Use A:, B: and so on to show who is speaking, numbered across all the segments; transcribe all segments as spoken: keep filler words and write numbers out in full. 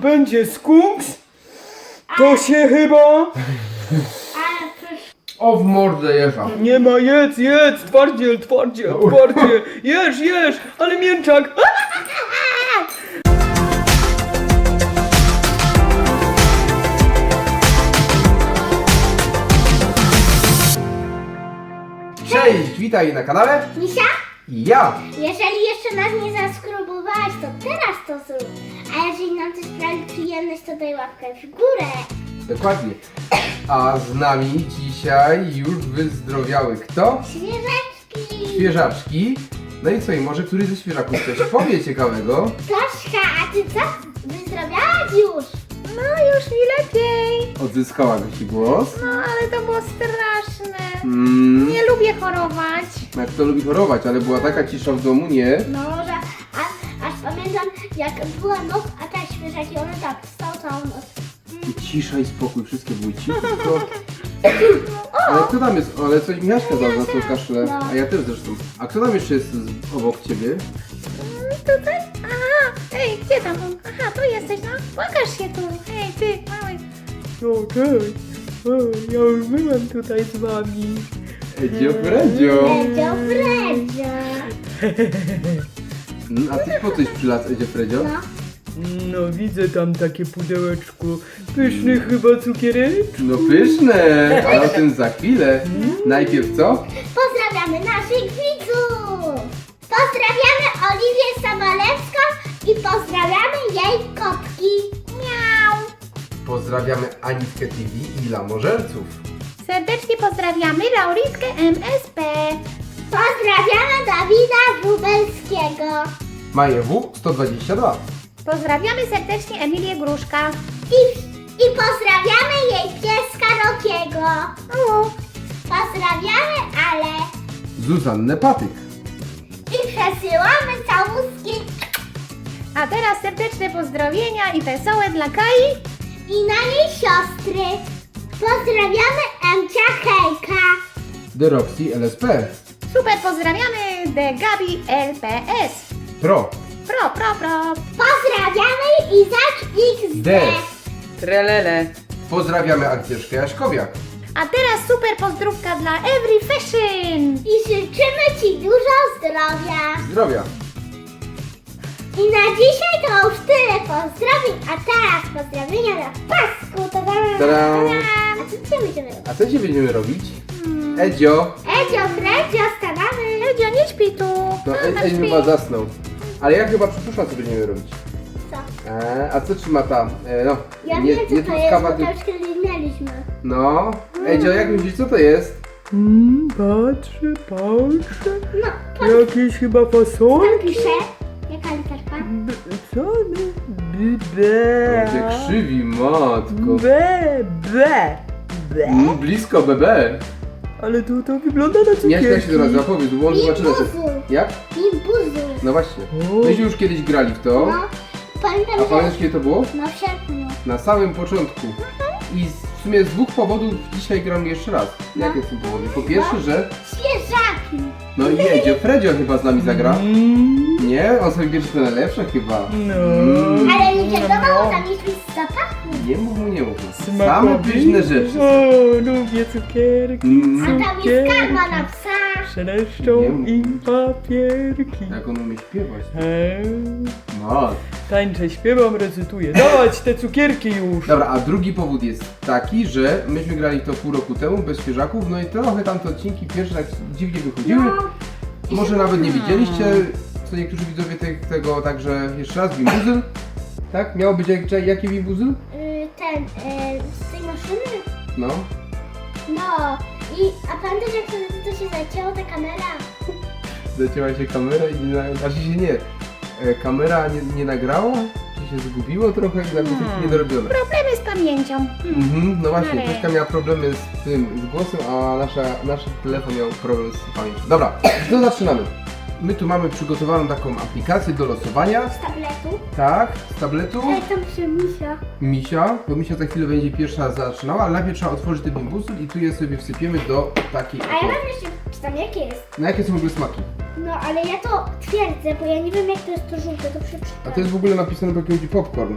A: będzie skunks, to się chyba...
B: Ale przecież...
C: O, w mordę jeża.
A: Nie ma, jedz, jedz, twardziel, twardziel, twardziel, jesz, jesz, ale mięczak.
C: Cześć, witaj na kanale.
B: Misia?
C: Ja.
B: Jeżeli jeszcze nas nie zaskrobowałeś, to teraz to zrób. A jeżeli nam to sprawi przyjemność, to daj łapkę w górę.
C: Dokładnie. A z nami dzisiaj już wyzdrowiały kto?
B: Świeżeczki!
C: Świeżaczki. No i co, i może któryś ze świeżaków coś powie ciekawego?
B: Toszka, a ty co? Wyzdrowiałaś już?
D: No już mi lepiej.
C: Odzyskała gości głos.
D: No ale to było straszne.
C: Mm,
D: Nie lubię chorować.
C: jak to lubi chorować, ale była taka cisza w domu, nie?
B: No, że a, aż pamiętam, jak była noc, a te świeżaki, one tak wstał całą noc.
C: I cisza i spokój, wszystkie były ciche, tylko... Ale kto tam jest? Ale coś Michaśka za nas to kaszle,
B: No.
C: a ja też zresztą. A kto tam jeszcze jest z, obok ciebie?
D: Mm, Tutaj? Aha, ej, gdzie tam? Aha, tu jesteś, no. Pokaż się tu. Ej, ty, mały.
A: O, cześć, o, ja już byłem tutaj z wami.
C: Edzio Fredzio.
B: Fredzio, Fredzio.
C: Mm, A ty po coś przylazł, Edzio Fredzio?
B: No.
A: No widzę tam takie pudełeczko, pyszny chyba cukiereczek.
C: No pyszne, ale o tym za chwilę. Najpierw co?
B: Pozdrawiamy naszych widzów! Pozdrawiamy Oliwię Sobolewską i pozdrawiamy jej kotki. Miau!
C: Pozdrawiamy Anitkę T V i Lamożerców.
D: Serdecznie pozdrawiamy Lauritkę M S P.
B: Pozdrawiamy Dawida Wróbelskiego.
C: Maję W sto dwadzieścia dwa.
D: Pozdrawiamy serdecznie Emilię Gruszka.
B: I, I pozdrawiamy jej pieska Rokiego.
D: O,
B: Pozdrawiamy Ale.
C: Zuzannę Patyk.
B: I przesyłamy całuski
D: a teraz serdeczne pozdrowienia i wesołe dla Kai.
B: i na jej siostry. Pozdrawiamy Emcia Hejka.
C: The Roxy L S P.
D: Super pozdrawiamy The Gabi L P S.
C: Pro.
D: Pro, pro, pro.
B: Pozdrawiamy Izak X D.
C: D.
A: Trelele.
C: Pozdrawiamy Agnieszkę Jaśkowiak.
D: A teraz super pozdrówka dla Every Fashion.
B: I życzymy Ci dużo zdrowia.
C: Zdrowia.
B: I na dzisiaj to już tyle pozdrowień, a teraz pozdrowienia na pasku. Tada!
C: Tada!
B: A co dzisiaj będziemy robić?
C: A co dzisiaj będziemy robić? Edzio.
B: Edzio, Fredzio, stawamy.
D: Edzio, nie śpi tu.
C: No
D: Mama
C: Edzio
D: śpi.
C: chyba zasnął. Ale ja chyba przypuszczam, co będziemy robić.
B: Co?
C: E, a co trzyma ta? E, no,
B: Ja
C: nie,
B: wiem co
C: nie
B: to jest,
C: truskawa,
B: bo
C: ty-
B: to już kiedyś mieliśmy.
C: No. Edzio, jak myślisz, co to jest?
A: Mm, patrzę, patrzę.
B: No, pan,
A: Jakieś chyba fasole?
B: pan pisze. Jaka literka?
A: B- Co? B- Be.
C: On się krzywi, matko.
A: Be, be, be.
C: Mm, blisko B B.
A: Ale to, to wygląda na cukierki.
C: Jak to się to nazywa? Powiedz, bo on zobaczy na
B: Bimbuzu.
C: Jak?
B: Bimbuzu.
C: No właśnie.
A: O.
C: Myśmy już kiedyś grali w to.
B: No, pamiętam,
C: A
B: że...
C: pamiętasz kiedy to było?
B: No w sierpniu.
C: Na samym początku. I w sumie z dwóch powodów dzisiaj gram jeszcze raz. Jakie są powody? Po pierwsze, że...
B: Świeżaki.
C: No i Edzio, Fredzio chyba z nami zagra.
A: Mm,
C: Nie? On sobie bierze te najlepsze chyba.
A: no.
C: Mm.
B: Ale nie wiadomo, tam jest z zapachu.
C: Nie mów mu, nie mów mu. Same
A: Smakowi?
C: pyszne rzeczy.
A: O, lubię cukierki.
C: Mm.
B: A tam jest karma na psa.
A: Szeleszczą
C: Nie mów.
A: im papierki.
C: Jak on umie śpiewać.
A: Eee,
C: No.
A: tańczę, śpiewam, recytuję. Dawać te cukierki już.
C: Dobra, a drugi powód jest taki, że myśmy grali to pół roku temu bez świeżaków, no i trochę tam te odcinki pierwsze tak dziwnie wychodziły.
B: No.
C: Może nawet nie widzieliście, co niektórzy widzowie te, tego, także jeszcze raz, Bimbuzyl. Tak? Miało być jak, jaki Bimbuzyl?
B: Y, ten, y, z tej maszyny.
C: No.
B: No. I, a pamiętasz jak wtedy to się zacięło, ta kamera?
C: Zacięła się kamera i nie, na- znaczy się nie. E, kamera nie, nie nagrała? Czy się zgubiło trochę i tak
A: Hmm.
C: niedorobione.
D: Problemy z pamięcią.
C: Mhm, no właśnie,
D: Ale-
C: Tośka miała problemy z tym, z głosem, a nasza, nasz telefon miał problem z pamięcią. Dobra, to zaczynamy. My tu mamy przygotowaną taką aplikację do losowania.
B: Z tabletu.
C: Tak, z tabletu.
B: Ej, tam przy misia.
C: Misia, bo Misia za chwilę będzie pierwsza zaczynała, ale najpierw trzeba otworzyć ten bimbusy i tu je sobie wsypiemy do takiej
B: A ja
C: oto.
B: mam jeszcze, czy tam jakie jest?
C: No jakie są w ogóle smaki?
B: No, ale ja to twierdzę, bo ja nie wiem jak to jest to żółte, to przeczytam.
C: A to jest w ogóle napisane po jakimś popcorn.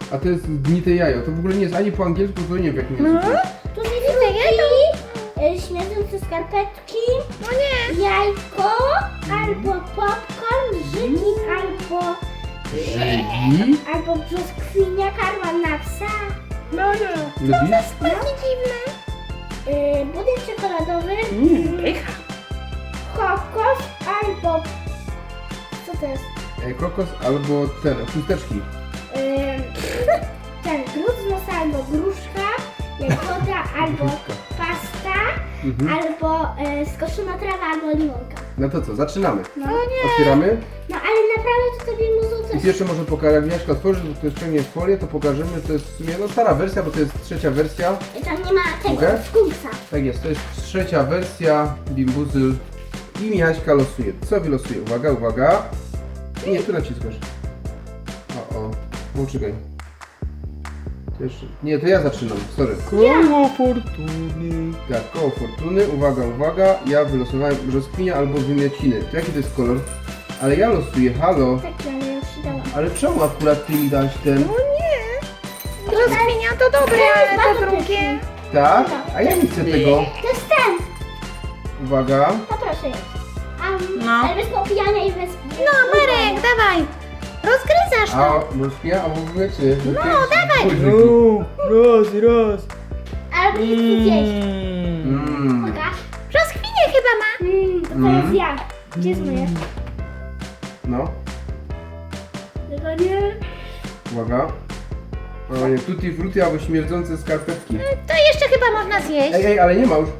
C: A to jest gnite jajo. To w ogóle nie jest ani po angielsku, to nie wiem w jakim języku.
B: Tu jest frutti, y, śmierdzące skarpetki,
D: No nie.
B: jajko, albo popcorn, żygi, albo...
C: Żygi?
B: Albo brzoskwinia, karma na psa,
A: No nie.
C: Lubisz?
D: Takie dziwne.
B: y, budynek czekoladowy,
A: Mm, pycha.
B: kokos, albo... Co to jest?
C: E, kokos albo ten, chusteczki.
B: Ym, ten grud z nosa, albo gruszka, jagoda, albo pasta,
C: Mhm.
B: albo y, skoszona trawa, albo limonka.
C: No to co, zaczynamy.
B: No,
C: Otwieramy.
B: no ale naprawdę to tobie muzu
C: I
B: coś...
C: pierwsze może pokażę, jak Jaśka otworzy, to jest ciągnie folię, to pokażemy, to jest w sumie no, stara wersja, bo to jest trzecia wersja.
B: Tam nie ma tego,
C: Mogę?
B: skunksa.
C: Tak jest, to jest trzecia wersja Bimbuzyl i Michaśka losuje. Co wylosuje? Uwaga, uwaga. Nie, tu naciskasz. O, o, poczekaj. To jeszcze... Nie, to ja zaczynam, sorry.
A: Koło fortuny.
C: Tak, koło fortuny, uwaga, uwaga. Ja wylosowałem brzoskwinia albo wymiociny. To jaki to jest kolor? Ale ja losuję, halo.
B: Tak, ale już się dałam.
C: Ale czemu akurat ty mi dałeś ten?
D: No nie. Brzoskwinia to dobre, ale to drugie.
C: Tak? A ja nie chcę tego.
B: To jest ten!
C: Uwaga.
B: To proszę jest. Um,
D: No.
B: Ale bez popijania i bez...
D: No Marek, dawaj. Rozgryzasz
C: A
D: to.
C: brzoskwinia albo wymiociny.
D: No, dawaj.
A: No, raz, raz.
B: Albo nie chcę zjeść.
A: Mm.
C: Mmm.
B: Pokaż.
D: Brzoskwinię chyba ma.
B: Mm, to teraz
C: Mm.
B: ja. Gdzie jest moje?
C: No,
B: Tego nie...
C: uwaga. O nie, tutti frutti albo śmierdzące skarpetki.
D: To jeszcze chyba można zjeść.
C: Ej, ej, ale nie ma już.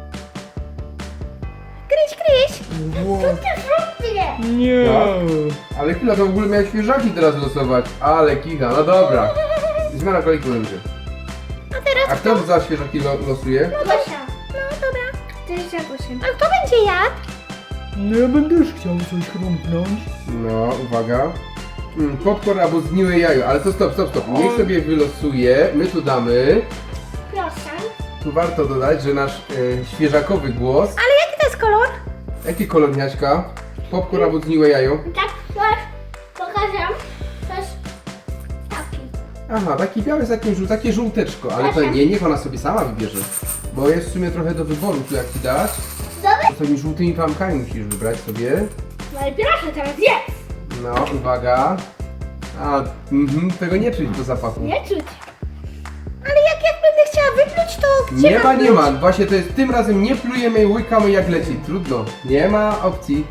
D: Gryź, gryź.
A: Wow.
B: Ty frukty!
A: Nie.
C: Tak. Ale chwila, to w ogóle miałeś świeżaki teraz losować. Ale kicha, no dobra. Zmiana kolejki będzie.
D: A teraz
C: A kto za świeżaki lo losuje?
B: Gosia.
D: No dobra.
B: To jest Jagosiem.
D: A kto będzie jadł?
A: No ja bym też chciał coś chrumknąć.
C: No, uwaga. Mm, popcorn albo zgniłe jajo, ale to stop, stop, stop. Niech sobie wylosuje. My tu damy.
B: Proszę.
C: Tu warto dodać, że nasz e, świeżakowy głos.
D: Ale jaki to jest kolor?
C: Jaki kolor, Miaśka? Popcorn albo zgniłe jajo?
B: Tak, masz. Pokażę. To jest taki.
C: Aha, taki biały z takim żół, takie żółteczko, ale to nie, niech ona sobie sama wybierze. Bo jest w sumie trochę do wyboru, tu jak ci dać.
B: Dobry?
C: To tymi żółtymi plamkami musisz wybrać sobie.
B: No i proszę, teraz jest.
C: No, uwaga. A, mhm, tego nie czuć do zapachu.
B: Nie czuć.
D: Ale jak, jak będę chciała wypluć, to gdzie
C: Nie ma,
D: mam
C: nie
D: pluć?
C: ma. Właśnie to jest tym razem nie plujemy i łykamy jak leci. Trudno. Nie ma opcji.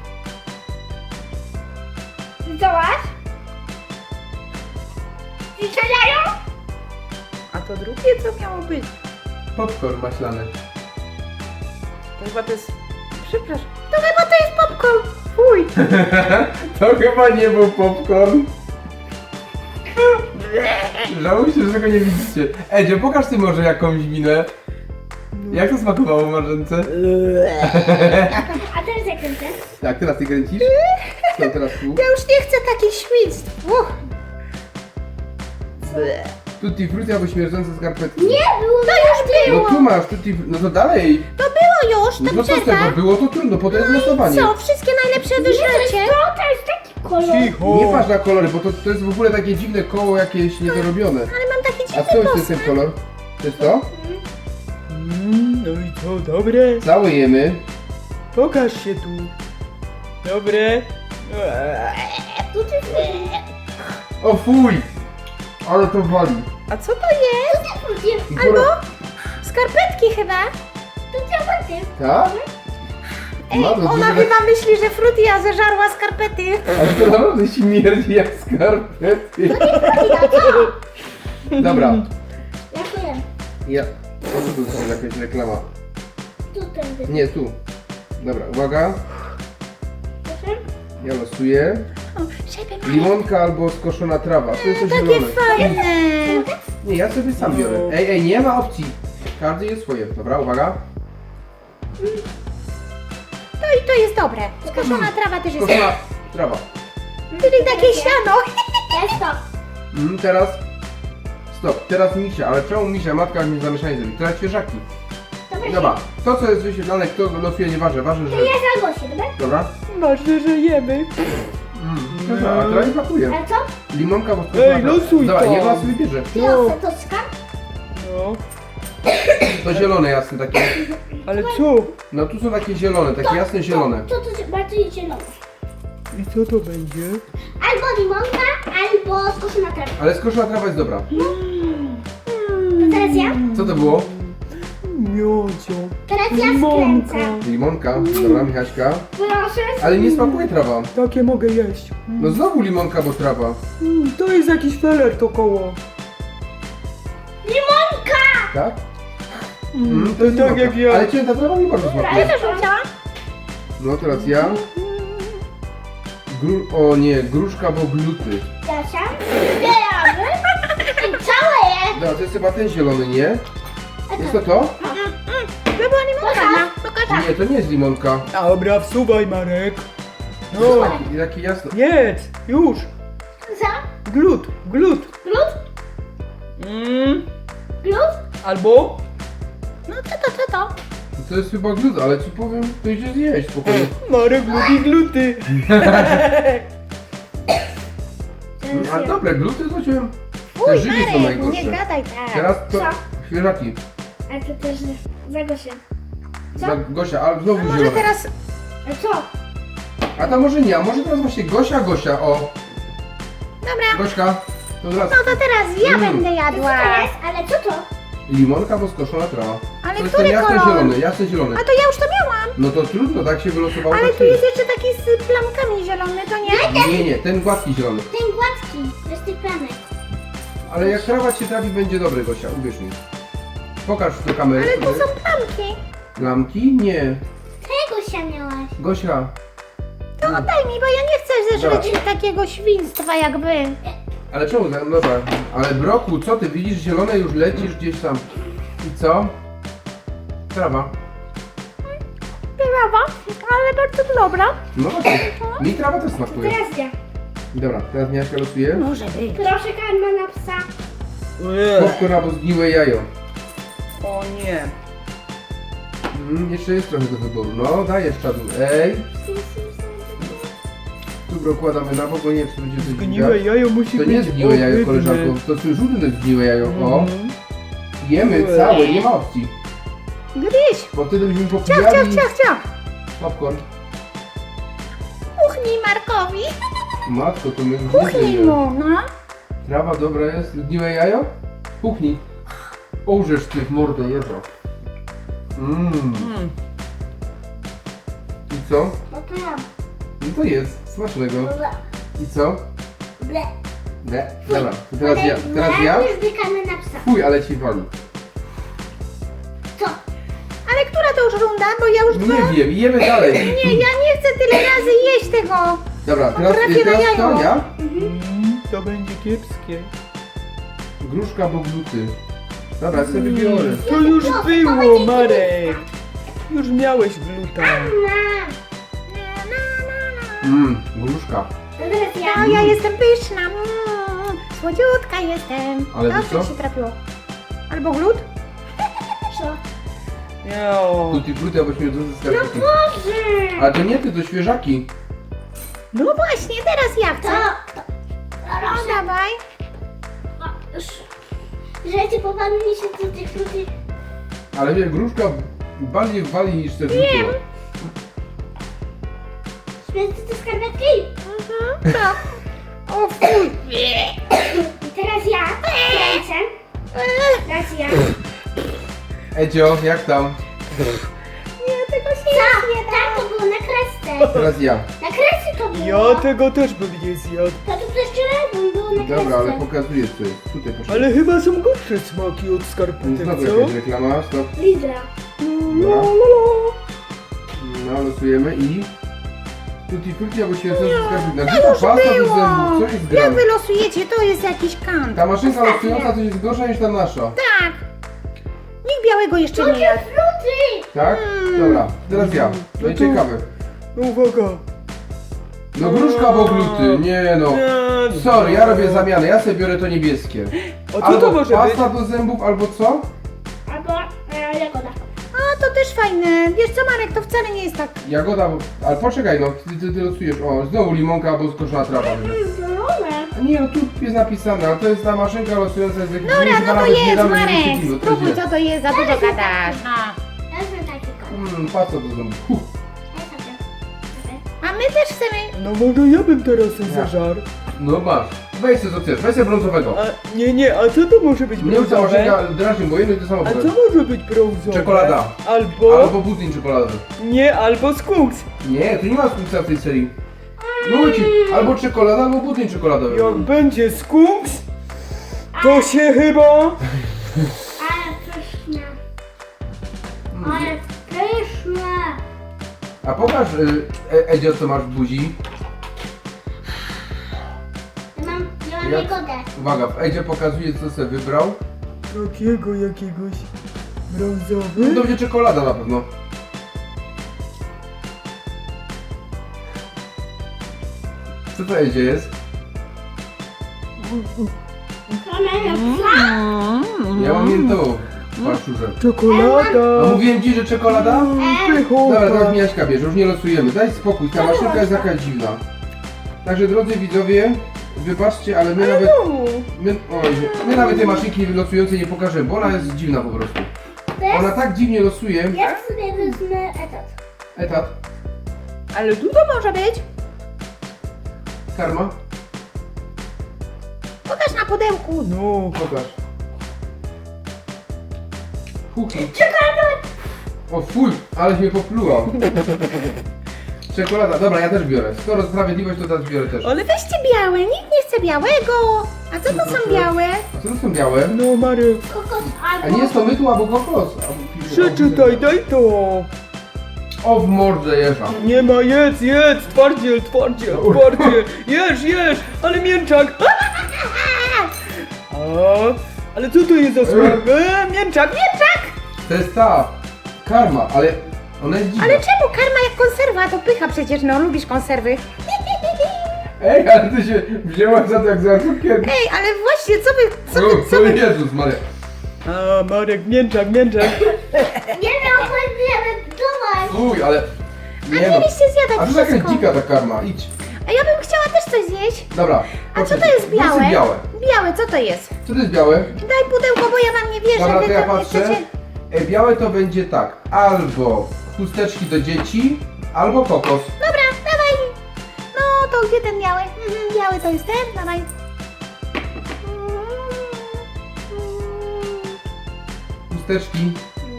B: Zobacz. Strzelają?
A: A to drugie co miało być?
C: Popcorn maślany.
A: To chyba to jest... Przepraszam.
D: To chyba to jest popcorn.
A: Fuj.
C: To chyba nie był popcorn. Żałujcie, że tego nie widzicie. Edzio, pokaż ty może jakąś minę. Jak to smakowało Marzence?
B: A teraz jak kręcę?
C: Tak, teraz ty kręcisz? Co teraz tu?
D: Ja już nie chcę takich świństw. Uch.
C: Tutti frutti albo śmierdzące skarpetki.
B: Nie, było
D: To już
C: No
D: było.
C: tu masz, tutti... No to dalej.
D: To było już, to
C: No co z
D: przerwa.
C: tego? Było to trudno, po to jest losowanie.
D: Co, wszystkie najlepsze
B: Nie, to jest
D: wyżrecie?
B: to, to jest taki kolor.
A: Cicho.
C: Nie patrz na kolory, bo to, to jest w ogóle takie dziwne koło jakieś niedorobione.
D: Ale mam taki
C: A
D: dziwny
C: co jest ten
D: posmak.
C: kolor? To jest to?
A: Mm, no i co, dobre?
C: Całujemy.
A: Pokaż się tu. Dobre.
B: Tu ty
C: O fuj! Ale to wali.
D: A co to jest?
B: frutti.
D: Albo skarpetki chyba.
B: Tu ty
C: Tak?
D: Ej,
C: No, to
D: ona
C: dużo-
D: chyba myśli, że Frutia zeżarła skarpety.
C: Ale to naprawdę śmierdzi jak skarpety. Dobra.
B: Ja powiem.
C: Ja... O co tu jest jakaś reklama?
B: Tu tędy.
C: Nie, tu. Dobra, uwaga.
B: Proszę.
C: Ja losuję.
D: O, żeby Marek.
C: Limonka albo skoszona trawa. To jest coś
D: Takie
C: zielone.
D: fajne.
C: Nie, ja sobie sam biorę. Ej, ej, nie ma opcji. Każdy jest swoje. Dobra, uwaga.
D: To i to jest dobre. Skoszona trawa też jest.
C: Skoszona trawa.
D: Czyli takie siano.
B: Jest to.
C: Mm, teraz... Stop, teraz misia, ale czemu misia? Matka mi zamieszanie zrobi. Teraz świeżaki.
B: Dobra.
C: Dobra, to co jest wyświetlane, kto losuje, nieważne. Ważne, że...
B: To ja za Gosię, dobra?
C: Dobra.
A: Ważne, że jemy.
C: Mm. Dobra, a teraz nie pakuje.
B: Ale co?
C: Limonka, bo
A: Ej, losuj
C: Dobra,
A: to.
C: niech ona sobie bierze.
B: Wiosę, to skam?
A: No,
C: To zielone jasne takie.
A: ale co?
C: No tu są takie zielone, takie jasne zielone.
B: To, to, to bardziej zielone.
A: I co to będzie?
B: Albo limonka, albo skoszona trawa.
C: Ale skoszona trawa jest dobra.
B: To teraz ja?
C: Co to było?
A: Miodzio.
B: Teraz ja
A: Limonka.
B: skręcę.
C: Limonka. Dobra, Michaśka.
B: Proszę.
C: Ale nie smakuje trawa.
A: Takie mogę jeść.
C: No znowu limonka, bo trawa.
A: Mm, to jest jakiś feler to koło.
B: Limonka!
C: Tak?
A: Mm,
C: to jest
A: tak
C: limonka.
A: jak ja.
C: Ale cię ta trawa mi bardzo
B: Ja
C: smakuje.
B: też bym chciała.
C: No teraz ja. Gru... O nie, gruszka, bo gluty.
B: Dasia. Zbieramy. I całe je.
C: Dobra, to jest chyba ten zielony, nie? Jest to to?
D: To była limonka. Pokaż.
C: Nie, to nie jest limonka.
A: Dobra, wsuwaj Marek. No,
C: Jakie jasne.
A: jedz, już.
B: Co?
A: Glut, glut.
B: Glut?
A: Mm,
B: Glut?
A: albo?
D: No co to, co to?
C: To jest chyba glut, ale ci powiem, to idzie zjeść spokojnie.
A: Marek lubi gluty.
C: A dobre, gluty to cię... Te
D: Uj,
C: żygi są
D: Marek, nie
C: najgorsze.
D: gadaj tak.
C: Teraz to...
B: Co?
C: Świeżaki.
B: Ale to też za Gosię. Co?
C: Za Gosia, ale znowu
D: A może
C: zielone.
D: teraz...
B: A co?
C: A to może nie, a może teraz właśnie Gosia, Gosia, o.
D: Dobra.
C: Gośka, to teraz
D: No to teraz ja
C: Mm.
D: będę
B: To co
D: jadła.
B: to jest? Ale co to?
C: limonka, bo skoszona trawa.
D: Ale
C: to jest
D: który
C: ten jasny
D: kolor?
C: zielony, jasny zielony.
D: A to ja już to miałam.
C: No to trudno, tak się wylosowało.
D: Ale
C: tak
D: tu
C: się-
D: jest jeszcze taki z plamkami zielony, to nie?
C: Nie, nie, ten gładki zielony.
B: Ten gładki. Bez tych planek.
C: Ale jak trawa cię trafi, będzie dobry, Gosia, uwierz mi. Pokaż do kamery.
D: Ale tu
C: sobie.
D: są plamki.
C: Lampki? Nie.
B: Tego się miałaś.
C: Gosia,
D: To oddaj mi, bo ja nie chcę zeżreć takiego świństwa jak wy.
C: ale czemu? No dobra, ale Broku, co ty widzisz? Zielone już lecisz gdzieś tam. I co? Trawa.
D: Brawa, ale bardzo dobra.
C: No właśnie, mi trawa też smakuje.
B: Teraz ja.
C: Dobra, teraz Miaśka losuje.
D: Może być.
B: Proszę karma na psa.
A: Ech,
C: Popcorn albo zgniłe jajo.
A: o nie.
C: Mm, jeszcze jest trochę do wyboru. No, dajesz czadu. Ej, tu dokładamy na bok, bo nie wiem, czy to będzie coś
A: Zgniłe
C: widać.
A: jajo musi
C: To
A: być
C: nie jest zgniłe jajo,
A: ohydne.
C: koleżanko. To jest żółte zgniłe jajo. O,
A: Mhm.
C: jemy całe, nie ma opcji.
D: Gryź.
C: Bo wtedy byśmy
D: Ciach, ciach,
C: popijali
D: ciach, ciach.
C: popcorn.
D: Kuchnij Markowi.
C: Matko, to my już
D: Kuchnij
C: nie wiemy.
D: mu, no.
C: Trawa dobra jest. Zgniłe jajo? Kuchni. Ołżesz ty w mordę jeżo. Mmm.
A: Mm.
C: I co?
B: No to ja.
C: No to jest. Smacznego.
B: Ble.
C: I co?
B: Ble.
C: Nie. Dobra, to teraz ja. Teraz ja.
B: Już wykamy na psa.
C: Fuj, ale ci wali.
B: Co?
D: Ale która to już runda, bo ja już dwa...
C: Nie wiem, jemy dalej.
D: Nie, ja nie chcę tyle razy jeść tego.
C: Dobra, teraz,
D: Potrafię
C: teraz
D: na
C: to
D: jajo.
C: ja.
A: Mm, to będzie kiepskie.
C: Gruszka, bo gluty. Dobra, ja sobie biorę.
A: To już było, Marek. Już miałeś gluta.
B: Na.
D: Na, na, na, na.
C: Mmm, gruszka.
B: To teraz ja.
D: No, ja jestem pyszna. Mm, słodziutka jestem.
C: Ale wiesz
D: Dobrze
C: co?
D: ci trafiło. Albo glut?
B: Co?
A: Miał.
C: Tutti frutti, abyśmy dużo
B: No
C: skarpetki.
B: Boże.
C: Ale to nie ty, to świeżaki.
D: No właśnie, teraz ja
B: To.
D: chcę.
B: to.
D: No
B: Proszę.
D: dawaj.
B: O, już. Że ci popadnie się do tych ludzi.
C: Ale wie, gruszka bardziej wali niż te
D: Wiem.
C: fruty.
B: Śmieci te skarpetki.
D: Mhm, tak. O fuj.
B: I teraz ja. Kręcę. Teraz ja.
C: Edzio, jak tam?
D: Nie, tego się
B: Co?
D: nie
B: Tak,
D: da.
B: to było na kresce.
C: Teraz ja.
B: Na kresce to było.
A: Ja tego też bym nie zjadł.
B: To tu też czerwony było na kresce.
C: Dobra, ale pokazuję co jest. Tutaj proszę.
A: Ale chyba są gorsze smaki od skarpetek,
C: Znowu
A: co?
C: jakaś reklama, stop.
B: Lidra.
C: Dobra. No, losujemy i... Tutti frutti, albo się sensu skarpetna. Gdzie ta
D: Już
C: pasta do
D: było.
C: zębów? Co jest
D: Jak
C: grane?
D: wy losujecie, to jest jakiś kant.
C: Ta maszynka losująca to jest gorsza niż ta nasza.
D: Tak. Nikt białego jeszcze nie jadł.
B: Fruty.
C: Tak? Dobra, teraz ja. No i
A: No to-
C: ciekawe.
A: No uwaga.
C: No gruszka, bo gluty. Nie no.
A: Nie,
C: Sorry, ja robię zamianę. Ja sobie biorę to niebieskie.
A: A co
C: Albo
A: to może być?
C: pasta do zębów, albo co?
B: Albo e, jagoda.
D: A to też fajne. Wiesz co, Marek, to wcale nie jest tak.
C: Jagoda, bo- ale poczekaj, no, ty, ty, ty losujesz. O, znowu limonka albo skoszona trawa.
B: Zielone.
C: A nie, no tu jest napisane, ale to jest ta maszynka losująca z jakiejś
D: Dobra, no to jest, Marek.
C: To
D: Spróbuj,
C: jest
D: co to jest, za dużo gadasz. No.
B: Ja wezmę taki kolor.
C: Hmm, patrz co to zrobi. Huh.
B: Ja sobie. Dobra.
D: A my też chcemy.
A: No może ja bym teraz sobie
C: Ja.
A: zażarł.
C: No masz, weź sobie co chcesz, weź sobie brązowego.
A: A, nie, nie, a co to może być
C: Mnie ta
A: brązowe?
C: maszynka drażni, bo jedno i to samo
A: A co
C: powiem.
A: może być brązowe?
C: Czekolada.
A: Albo...
C: Albo budyń czekoladowy.
A: Nie, albo skunks.
C: Nie, tu nie ma skutca w tej serii. Mówię ci, albo czekolada, albo budyń czekoladowy.
A: Jak będzie skunks, to się chyba...
B: Ale pyszne. Ale pyszne.
C: A pokaż, y, e, Edzio, co masz w buzi.
B: Ja mam, ja mam
C: Ja-
B: jagodę.
C: Uwaga, Edzio pokazuje, co sobie wybrał.
A: Takiego jakiegoś
C: No
A: brązowy?
C: to będzie czekolada na pewno. Co to Edzio jest?
B: Kamerę.
C: Ja mam miętową paszczurze. A
A: Czekolada!
C: mówiłem ci, że czekolada?
A: Pychowa!
C: Dobra, teraz Miaśka bierze, już nie losujemy. Daj spokój, ta maszynka jest jakaś dziwna. Także drodzy widzowie, wybaczcie, ale my nawet, my, oj, my nawet tej maszynki losującej nie pokażemy, bo ona jest dziwna po prostu. Ona tak dziwnie losuje.
B: Ja sobie wezmę etat.
C: Etat,
D: Ale dużo może być.
C: karma,
D: Pokaż na pudełku.
A: No,
C: pokaż. Huki. O fuj, aleś mnie popluła. Czekolada, dobra, ja też biorę. Skoro sprawiedliwość, to teraz biorę też.
D: Ale weźcie białe, nikt nie chce białego. A co to są białe?
C: A co to są białe?
A: no Marek,
B: Kokos
C: A
B: albo...
C: nie jest to mydło albo kokos? Albo piwo,
A: przeczytaj, daj to!
C: O, w mordę jeża.
A: Nie ma, jedz, jedz, twardziel, twardziel, twardziel, jesz, jesz, ale mięczak! A, ale co to jest za smak? E, mięczak, mięczak!
C: To jest ta karma, ale ona jest dziwna.
D: Ale czemu karma jak konserwa? To pycha przecież, no lubisz konserwy.
C: Ej, ale ty się wzięłaś za to jak za cukier.
D: Ej, ale właśnie, co wy, co
C: O,
D: wy, co
C: o
D: wy...
C: Jezus Maria.
A: A, Marek, mięczak, mięczak.
B: Nie miał chodziłem do was.
C: Uj, ale...
D: A
C: Nie no.
D: mieliście zjadać
C: A to jakaś
D: wszystko.
C: dzika ta karma, idź.
D: A ja bym chciała też coś zjeść.
C: Dobra.
D: A co to
C: poczekaj.
D: jest
C: Weź
D: białe?
C: sobie białe.
D: Białe, co to jest?
C: Co to jest białe?
D: Daj pudełko, bo ja wam nie wierzę.
C: Dobra,
D: wy
C: to ja
D: tam nie
C: patrzę.
D: chcecie-
C: E, białe to będzie tak, albo chusteczki do dzieci, albo kokos.
D: Dobra, dawaj. No, to gdzie ten biały? Mhm, biały to jest ten, dawaj.
C: Chusteczki.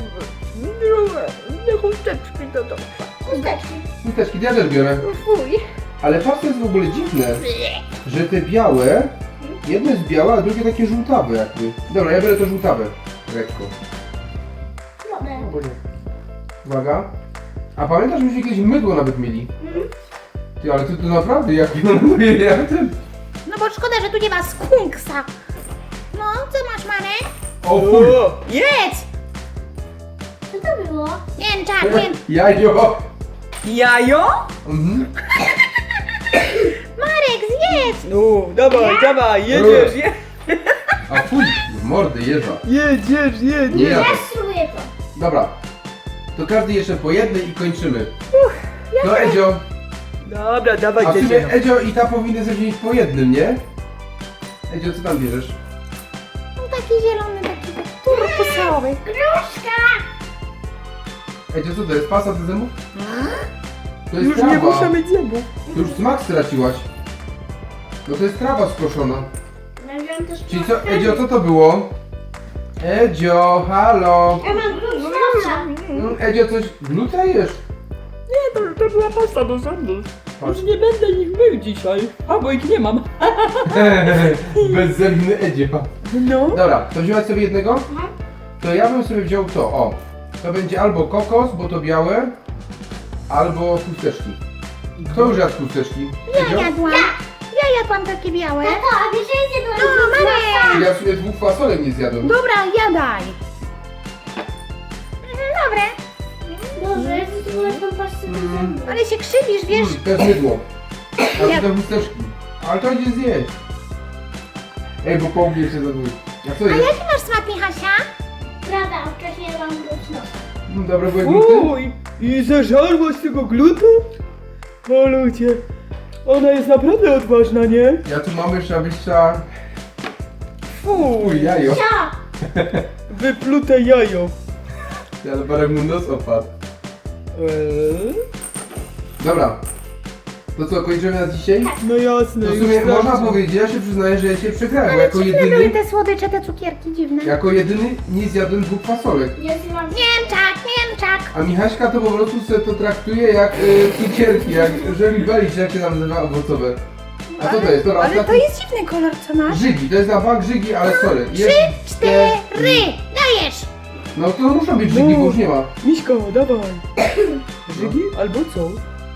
A: Nie chusteczki to to.
B: Chusteczki.
C: Chusteczki, ja też biorę.
D: Fuj.
C: Ale patrz, to jest w ogóle dziwne, że te białe, jedno jest białe, a drugie takie żółtawe jakby. Dobra, ja biorę to żółtawe. Lekko.
B: Wodę.
C: Albo nie. Uwaga. A pamiętasz, myśmy jakieś mydło nawet mieli? Ty, ale ty to naprawdę, jak jak ten...
D: No bo szkoda, że tu nie ma skunksa. No, co masz, Marek?
C: O fuj!
D: Jedz!
B: Co to było?
D: Mięczak, mięczak.
C: Jajo!
A: Jajo?
C: Mhm.
D: Marek, zjedz!
A: No, dawaj, dawaj, jedziesz, je,
C: A fuj, w mordy jeża.
A: jedź, jedź, jedź,
C: Nie
A: jedź.
C: ja.
B: Ja spróbuję to.
C: Dobra. To każdy jeszcze po jednej i kończymy. No Edzio,
A: Dobra, dawaj,
C: a w sumie
A: jedziemy.
C: Edzio i ta powinny sobie wziąć po jednym, nie? Edzio, co tam bierzesz?
D: No taki zielony, taki turkusowy.
B: Gruszka.
C: Edzio, co to jest? Pasta do zębów? To jest
A: Już nie
C: trawa.
A: muszę mieć zębów.
C: To już smak straciłaś. No to jest trawa skoszona.
B: Ja wziąłem też
C: Czyli co, Edzio, co to było? Edzio, halo.
B: Ja mam gruszka.
C: Mm, Edzio, coś glutajesz?
A: Nie, to, to była pasta do zębów.
C: Patrz.
A: Już nie będę ich mył dzisiaj. A, bo ich nie mam.
C: Bezzębny Edzio.
A: No.
C: Dobra, to wziąłeś sobie jednego?
B: Mhm.
C: To ja bym sobie wziął to, o. To będzie albo kokos, bo to białe, albo chusteczki. Kto już jadł chusteczki?
D: Ja jadłam. Ja jadłam takie białe.
B: Tato, a wiesz, że ja zjadłam
D: No, Marek.
C: Ja w sumie dwóch fasolek nie zjadłem.
D: Dobra, jadaj. Mhm, dobre.
B: Boże, ja zjadłam tą pastę do zębów.
D: Ale się krzywisz, wiesz?
C: Mm, to jest mydło. A
D: Ja-
C: to te chusteczki. Ale to idzie zjeść. Ej, bo połknie się za dwóch. Jak to
D: A
C: jest?
D: jaki masz smak, Michasia?
B: Prawda, wcześniej mam grusz nosa.
C: Dobre były gluty?
A: Uj, i zeżarłaś tego glutu? O ludzie, ona jest naprawdę odważna, nie?
C: Ja tu mam jeszcze, abyś chciała...
A: Fuj,
C: Uj, jajo.
B: Co?
A: wyplute jajo.
C: Ja dopiero mu nos opadł.
A: Eee?
C: Dobra. To co, kończymy na dzisiaj?
A: No jasne,
C: To w
A: już
C: sumie można
A: starczy.
C: powiedzieć, ja się przyznaję, że ja cię przegrałem, bo
D: Ale
C: jako
D: dziwne były
C: jedyny,
D: te słodycze, te cukierki dziwne.
C: jako jedyny nie zjadłem dwóch fasolek.
B: Ja zjadłam
D: Mięczak, mięczak.
C: A Michaśka to po prostu sobie to traktuje jak y, cukierki, jak żelibelicz, jak się tam nazywa, owocowe. A co to jest? Dobra,
D: Ale to
C: ostatni-
D: jest dziwny kolor, co masz.
C: Żygi, to jest na bank żygi, ale sorry.
D: Trzy,
C: Jest-
D: cztery, dajesz.
C: No to muszą być żygi,
A: No.
C: bo już nie ma.
A: Miśko, dawaj. Żygi albo co?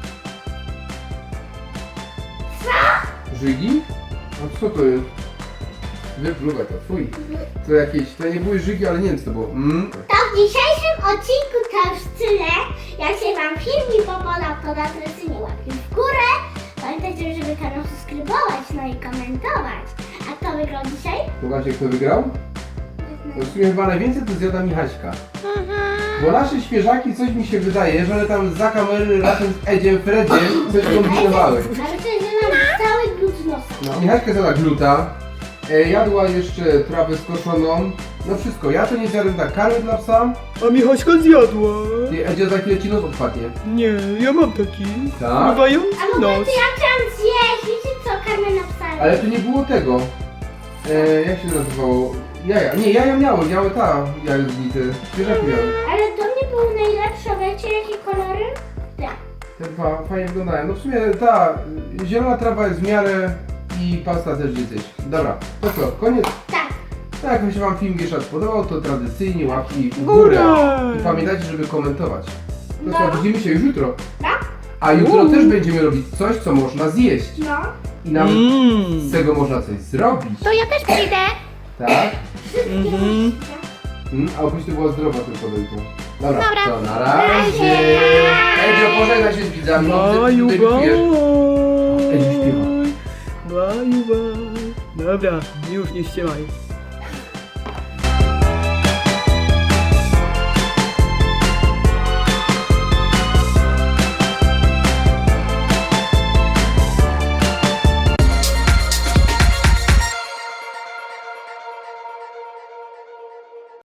C: Żygi? A co to jest? Wypluwaj to, fuj. To jakieś, to nie były żygi, ale nie wiem co to było. Mm.
B: To w dzisiejszym odcinku to już tyle. Jak się wam film podobał, to dajcie mi łapki w górę. Pamiętajcie, żeby kanał subskrybować, no i komentować. A kto wygrał dzisiaj?
C: Zobaczcie kto wygrał? To w sumie chyba najwięcej to zjada Michaśka.
D: Mhm.
C: Bo nasze świeżaki, coś mi się wydaje, że one tam za kamery razem z Edziem, Fredziem coś kombinowały.
B: Ale to jest nam cały glut z nosa.
C: No, Michaśka zjada gluta, e, jadła jeszcze trawę skoszoną, no wszystko. Ja to nie zjadłem tak, karmy dla psa,
A: A Michaśka zjadła.
C: i Edzia za chwilę ci nos odpadnie.
A: Nie, ja mam taki.
C: Tak?
A: Pływający
B: A w ogóle
A: nos.
B: to ja chciałam zjeść. Wiecie co karmę napisali?
C: Ale tu nie było tego. E, jak się nazywało? Jaja. Nie, jaja miały, miały ta jajownicy. Świeżaki miały.
B: Ale to nie było najlepsze. Wiecie jakie kolory? Tak.
C: Te dwa fajnie wyglądają. No w sumie ta y, zielona trawa jest w miarę i pasta też jest gdzieś. Dobra, to co, koniec.
B: Tak.
C: Tak, jak się wam film jeszcze raz podobał, to tradycyjnie łapki w
A: Górę.
C: górę. I pamiętajcie, żeby komentować. To co,
B: No.
C: widzimy się już jutro.
B: Tak?
C: A jutro
A: Uuu.
C: też będziemy robić coś, co można zjeść.
B: No.
C: I nawet
A: Mm.
C: z tego można coś zrobić.
D: To ja też przyjdę.
C: Tak?
A: Mhm.
C: Mm, a oprócz to była zdrowa tylko do jutro. Dobra,
D: Dobra.
C: to na razie. Edzio, pożegnaj się z widzami.
A: Baju,
C: Ty- ty
A: baj.
C: debiutujesz. Ej, śpiewa.
A: Baju, baj. Dobra, już nie ściemaj.